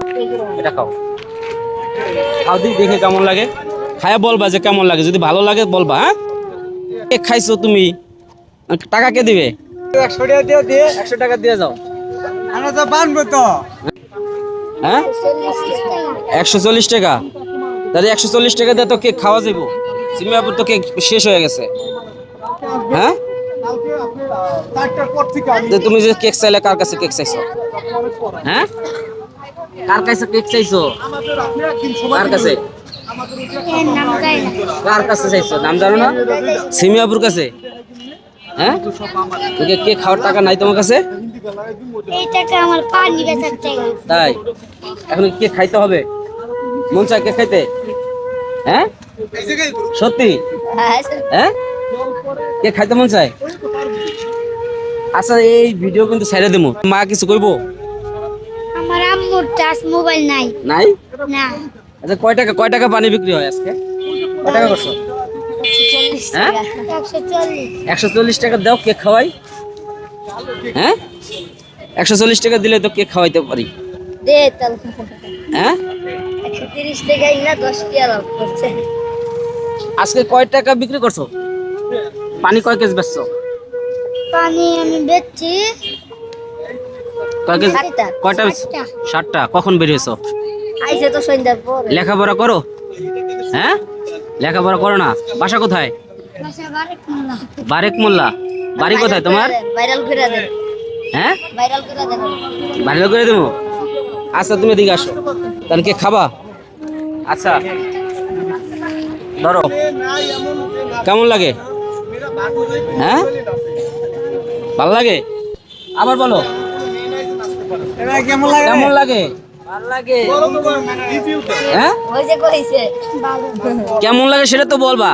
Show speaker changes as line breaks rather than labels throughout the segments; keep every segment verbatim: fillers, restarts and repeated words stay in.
এটা খাও, খাও দি দেখে কেমন লাগে, খায়া বলবা যে কেমন লাগে, যদি ভালো লাগে বলবা। হ্যাঁ, কেক খাইছো তুমি, টাকা কে দিবে?
একশো টাকা দিয়ে দিয়ে
একশো টাকা দিয়ে যাও।
আমরা তো বানবো তো।
হ্যাঁ, একশো চল্লিশ টাকা, তাহলে একশো চল্লিশ টাকা দিয়ে তো কেক খাওয়া যাবো। সিমিয়াপুর তো কেক শেষ হয়ে গেছে। হ্যাঁ, তো তুমি যে কেক চাইলে কার কাছে কেক চাইছো? হ্যাঁ, কার কাছে কেক চাইছো? কার কাছে? কার কাছে চাইছো নাম জানো না? সিমিয়াপুর কাছে। হ্যাঁ, কেক খাওয়ার টাকা নাই তোমার কাছে?
এই টাকা আমার পানি বেচার টাকা।
তাই এখন কেক খাইতে হবে, মন চায় কেক খাইতে? হ্যাঁ, সত্যি? হ্যাঁ, কেক খাইতে মন চায়? আচ্ছা, এই ভিডিও কিন্তু ছেড়ে দেবো, মা কিছু কইবো?
আমার আম্মুর টাচ মোবাইল নাই।
নাই?
না।
আচ্ছা, কয় টাকা কয় টাকা পানি বিক্রি হয় আজকে? কয় টাকা করছো? হ্যাঁ,
একশো চল্লিশ।
একশো চল্লিশ টাকা দাও, কেক খাওয়াই। হ্যাঁ, একশো চল্লিশ টাকা দিলে তো কেক খাওয়াইতে পারি।
দে তাহলে।
হ্যাঁ,
একশো তিরিশ টাকাই না দশ টাকা লাভ করছে।
আজকে কয় টাকা বিক্রি করছো? পানি কয় কেজি বেচছো?
পানি আমি বেচছি
কয় কেজি?
ষাটটা।
কয়টা বেচছো?
ষাটটা।
ষাটটা। কখন বেরিয়েছো?
আইসে তো সন্ধ্যার পরে।
লেখাপড়া করো? হ্যাঁ, লেখাপড়া করো না? বাসা কোথায়?
বাসা বারেক মোল্লা।
বারেক মোল্লা। বাড়ি কোথায় তোমার?
ভাইরাল করে দেন।
হ্যাঁ,
ভাইরাল করে দেন।
ভালো করে দেবো। আচ্ছা, তুমি এদিকে আসো, তাহলে কে খাবা? আচ্ছা, ধরো, কেমন লাগে? হ্যাঁ, ভালো লাগে? আবার বলো,
কেমন লাগে?
কেমন লাগে? ভালো লাগে। হ্যাঁ,
ওই যে কইছে ভালো।
কেমন লাগে সেটা তো বলবা।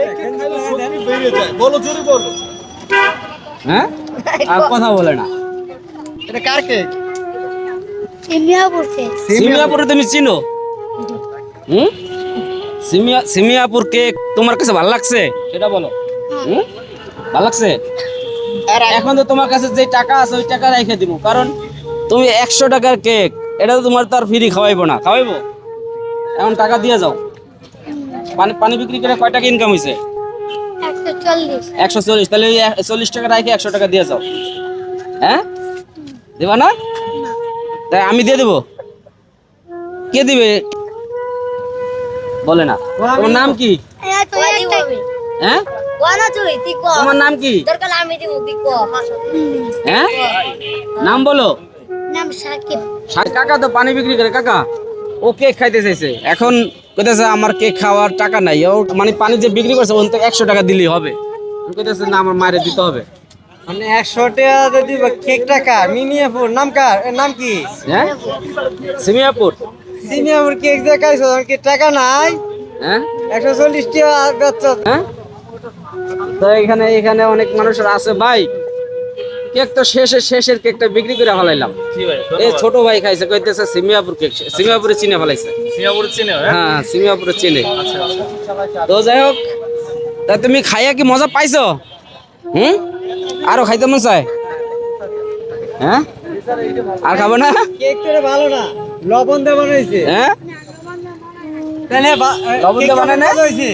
হ্যাঁ, আর কথা বলে না।
এটা কার কেক?
সিমিয়া পড়ছে।
সিমিয়াপুরে তুমি চিনো? হুম, সিমিয়া সিমিয়াপুর কেক তোমার কাছে ভালো লাগছে সেটা বলো। হুম, ভালো লাগছে? এখন তো তোমার কাছে যে টাকা আছে ওই টাকা রেখে দিব, কারণ তুমি একশো টাকার কেক, এটা তো তোমার তো আর ফ্রি খাওয়াইবো না, খাওয়াইবো? এখন টাকা দিয়ে যাও। পানি পানি বিক্রি করে কয় টাকা ইনকাম হয়েছে?
একশো চল্লিশ।
একশো চল্লিশ। তাহলে ওই চল্লিশ টাকা রেখে একশো টাকা দিয়ে যাও। হ্যাঁ, দেবা না? তাই আমি দিয়ে দেবো। কে দিবে বলে না? তোমার নাম কি?
হ্যাঁ, তুই একটা
হ্যাঁ,
কোনা তুই তুই কো।
তোমার নাম কি?
দরকার আমি দিব তুই কো।
হ্যাঁ, নাম বলো।
নাম সাকিব।
আর কাকা তো পানি বিক্রি করে, কাকা ও কেক খাইতে চাইছে, এখন কইতেছে আমার কেক খাওয়ার টাকা নাই। ও মানে পানি যে বিক্রি করছে ওন থেকে একশো টাকা দিলেই হবে। কইতেছে না, আমার মায়ের দিতে হবে।
মানে একশো টাকা দিব কেক টাকা মিনিয়াপুর নাম কার? এর নাম কি?
হ্যাঁ, সিমিয়াপুর।
সিনিয়াপুর কেক যে খাইছো কি টাকা নাই?
হ্যাঁ,
একশো চল্লিশ টাকা বেচছো।
হ্যাঁ, তো এখানে এখানে অনেক মানুষের আছে ভাই, কেক তো শেষের শেষের কেকটা বিক্রি করে ফেলাইলাম। এই ছোট ভাই খাইছে, কইতেছে সিমিয়াপুর কেক, সিমিয়াপুরে চিনে ফেলাইছে।
সিঙ্গাপুরে চিনে?
হ্যাঁ, সিমিয়াপুরে চিনে। তো যাই হোক, তা তুমি খাইয়া কি মজা পাইছো? হুম, আরো খাইতে মন চায়? হ্যাঁ, আর খাবো না?
কেক তো ভালো না, লবণ দিয়ে বানাইছে।
হ্যাঁ,
তাহলে বা-
লবণ দিয়ে
কেকটা
বানায় না?
ভালো হয়েছে।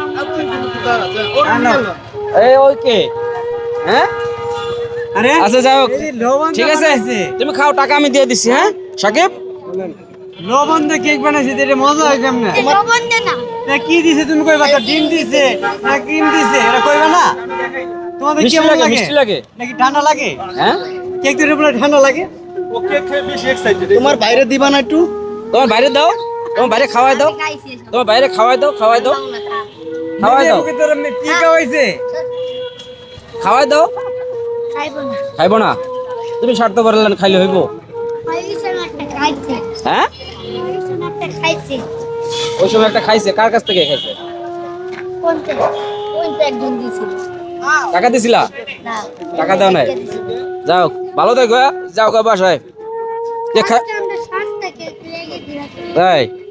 আনো।
এই ওকে। হ্যাঁ,
আরে
আচ্ছা যাই হোক,
এই লবণ দিয়ে
ঠিক আছে,
বানাইছে।
তুমি খাও, টাকা আমি দিয়ে দিচ্ছি। হ্যাঁ সাকিব,
লবণ দিয়ে কেক বানাইছে, এটা মজা হয় কেমনে?
লবণ দে না।
তা কি দিছে তুমি কইবা? তো ডিম দিছে না ক্রিম দিছে এটা কইবা না? তোমাদের
মিষ্টি
কেমন
লাগে,
লাগে?
মিষ্টি লাগে।
নাকি ঠান্ডা লাগে?
হ্যাঁ,
কেক তো বলে ঠান্ডা লাগে। তোমার বাইরে দিবা না একটু?
তোমার বাইরে দাও, তোমার বাইরে খাওয়াই দাও,
খাইছে সব।
তোমার বাইরে খাওয়াই দাও, খাওয়াই দাও, খাওয়াই দাও,
মিনিয়াপুরে তোর এমনি কি খাওয়াইছে?
খাওয়াই দাও।
খাইবো না।
খাইবো না? তুমি স্বার্থ পারলেন, খাইলে হইব?
খাইছে না একটা খাইছে।
হ্যাঁ,
খাইছে না একটা খাইছে।
ওই সময় একটা খাইছে, কার কাছ থেকে খাইছে?
কোনটা? কোনটা একজন দিছিল?
টাকা দিছিলা?
না।
টাকা দাও নাই? যাও, ভালো থাকো। হ্যাঁ? যাও গা বাসায়। কে খা-
আজকে আমরা সাতটা কেক লেগে দিলাম।
তাই